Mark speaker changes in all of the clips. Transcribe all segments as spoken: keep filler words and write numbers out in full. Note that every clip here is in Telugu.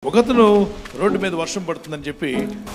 Speaker 1: ఒకతను రోడ్డు మీద వర్షం పడుతుందని చెప్పి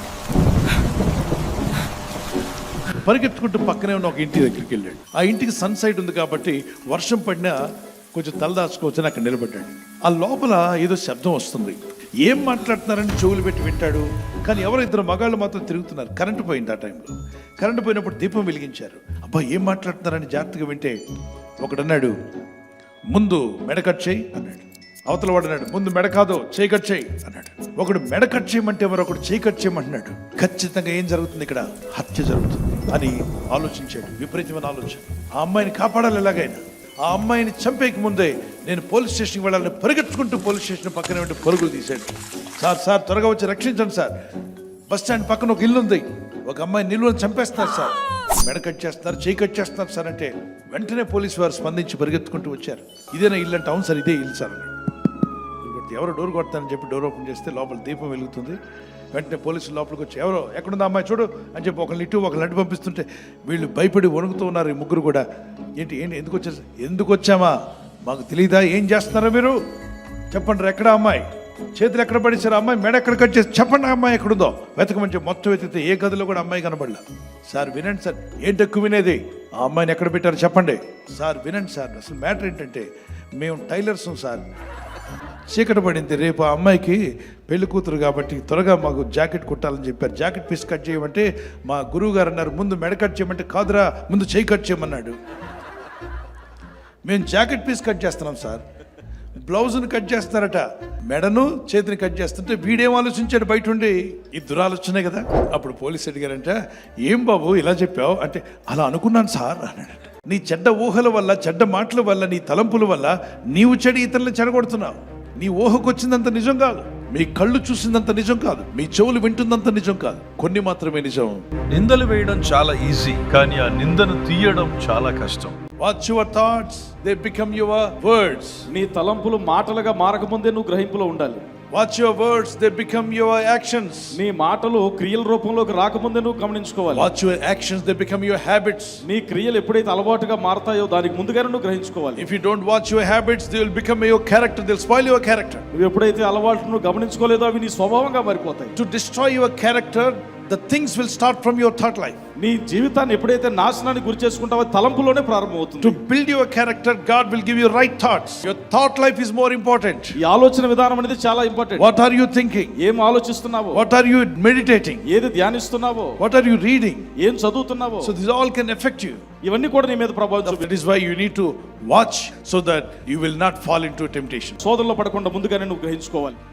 Speaker 1: పరిగెత్తుకుంటూ పక్కనే ఉన్న ఒక ఇంటి దగ్గరికి వెళ్ళాడు. ఆ ఇంటికి సన్ సైడ్ ఉంది కాబట్టి వర్షం పడినా కొంచెం తలదాచుకోవచ్చని అక్కడ నిలబడ్డాడు. ఆ లోపల ఏదో శబ్దం వస్తుంది. ఏం మాట్లాడుతున్నారని చెవులు పెట్టి వింటాడు. కానీ ఎవరో ఇద్దరు మగాళ్ళు మాత్రం తిరుగుతున్నారు. కరెంటు పోయింది. ఆ టైంలో కరెంటు పోయినప్పుడు దీపం వెలిగించారు. అబ్బా ఏం మాట్లాడుతున్నారని జాగ్రత్తగా వింటే ఒకడన్నాడు, ముందు మెడ కట్ చేయి అన్నాడు. అవతల వాడు అన్నాడు, ముందు మెడ కాదు చేయి కట్ చేయి అన్నాడు. ఒకడు మెడ కట్ చేయమంటే మరొకడు చేయి కట్ చేయమంటున్నాడు. ఖచ్చితంగా ఏం జరుగుతుంది ఇక్కడ? హత్య జరుగుతుంది అని ఆలోచించాడు. విపరీతమైన ఆలోచన. ఆ అమ్మాయిని కాపాడాలి ఎలాగైనా. ఆ అమ్మాయిని చంపేకి ముందే నేను పోలీస్ స్టేషన్కి వెళ్ళాలని పరిగెత్తుకుంటూ పోలీస్ స్టేషన్ పక్కనే ఉంటే పరుగులు తీశాడు. సార్ సార్ త్వరగా వచ్చి రక్షించండి సార్, బస్ స్టాండ్ పక్కన ఒక ఇల్లు ఉంది, ఒక అమ్మాయి నిలువని చంపేస్తున్నారు సార్, మెడ కట్ చేస్తున్నారు, చేయి కట్ చేస్తున్నారు సార్ అంటే వెంటనే పోలీసు వారు స్పందించి పరిగెత్తుకుంటూ వచ్చారు. ఇదేనా ఇల్లు అంటే? అవును సార్ ఇదే ఇల్లు సార్ అన్నాడు. ఎవరో డోర్ కొడతానని చెప్పి డోర్ ఓపెన్ చేస్తే లోపల దీపం వెలుగుతుంది. వెంటనే పోలీసులు లోపలికి వచ్చి ఎవరో ఎక్కడుందా అమ్మాయి చూడు అని చెప్పి ఒకరిని ఇటు ఒకరిని అడ్డు పంపిస్తుంటే వీళ్ళు భయపడి వణుకుతూ ఉన్నారు. ఈ ముగ్గురు కూడా ఏంటి ఏంటి ఎందుకు వచ్చారు? ఎందుకు వచ్చామా మాకు తెలియదా? ఏం చేస్తున్నారా మీరు? చెప్పండి ఎక్కడ అమ్మాయి? చేతులు ఎక్కడ పడేశారు? అమ్మాయి మెడ ఎక్కడ కట్ చేసి చెప్పండి అమ్మాయి ఎక్కడుందో వెతకమని చెప్పి మొత్తం వెతికితే ఏ గదిలో కూడా అమ్మాయి కనబడలా. సార్ వినండి సార్. ఏంటి ఎక్కువ వినేది? ఆ అమ్మాయిని ఎక్కడ పెట్టారు చెప్పండి. సార్ వినండి సార్, అసలు మ్యాటర్ ఏంటంటే మేము టైలర్స్ సార్, చీకటి పడింది, రేపు ఆ అమ్మాయికి పెళ్లి కూతురు కాబట్టి త్వరగా మాకు జాకెట్ కుట్టాలని చెప్పారు. జాకెట్ పీస్ కట్ చేయమంటే మా గురువు గారు అన్నారు ముందు మెడ కట్ చేయమంటే కాదురా ముందు చేయి కట్ చేయమన్నాడు. మేము జాకెట్ పీస్ కట్ చేస్తున్నాం సార్, బ్లౌజ్ని కట్ చేస్తున్నారట, మెడను చేతిని కట్ చేస్తుంటే వీడేం ఆలోచించాడు బయట ఉండి? ఈ దురాలోచనే కదా. అప్పుడు పోలీసు అడిగారంట, ఏం బాబు ఇలా చెప్పావు అంటే అలా అనుకున్నాను సార్ అన్నాడట. నీ చెడ్డ ఊహల వల్ల, చెడ్డ మాటల వల్ల, నీ తలంపుల వల్ల నీవు చెడు ఇతరులను చెడగొడుతున్నావు. నీ ఊహకు వచ్చిందంత నిజం కాదు, మీ కళ్ళు చూసిందంత నిజం కాదు, మీ చెవులు వింటుందంత నిజం కాదు, కొన్ని మాత్రమే నిజం.
Speaker 2: నిందలు వేయడం చాలా ఈజీ, కానీ ఆ నిందను తీయడం చాలా కష్టం.
Speaker 1: Watch your thoughts, they become your words.
Speaker 3: నీ తలంపులు మాటలుగా మారకముందే నువ్వు గ్రహింపులో ఉండాలి.
Speaker 1: Watch your words, they become your actions.
Speaker 3: నీ మాటలు క్రియల రూపంలోకి రాకముందే నువ్వు గమనించుకోవాలి.
Speaker 1: Watch your actions, they become your habits.
Speaker 3: నీ క్రియలు ఎప్పుడైతే అలవాటుగా మారతాయో దానికి ముందుగానే నువ్వు గ్రహించుకోవాలి.
Speaker 1: If you don't watch your habits, they will become your character, they will spoil your character.
Speaker 3: నువ్వు ఎప్పుడైతే అలవాటును గమనించుకోలేదో అవి నీ స్వభావంగా మారిపోతాయి.
Speaker 1: To destroy your character, the things will start from your thought life.
Speaker 3: నీ జీవితాన్ని ఎప్పుడైతే నాశనానికి గురి చేసుకుంటావో తలంపులోనే ప్రారంభమవుతుంది.
Speaker 1: To build your character, God will give you right thoughts. Your thought life is more important.
Speaker 3: ఈ ఆలోచన విధానం అనేది చాలా important.
Speaker 1: What are you thinking?
Speaker 3: ఏం ఆలోచిస్తున్నావో,
Speaker 1: what are you meditating,
Speaker 3: ఏది ధ్యానిస్తున్నావో,
Speaker 1: what are you reading,
Speaker 3: ఏం చదువుతున్నావో,
Speaker 1: so this all can affect you.
Speaker 3: ఇవన్నీ కూడా నీ మీద ప్రభావం చూపిస్తాయి.
Speaker 1: That is why you need to watch so that you will not fall into temptation.
Speaker 3: శోధనలో పడకుండా ముందుగానే నువ్వు గ్రహించుకోవాలి.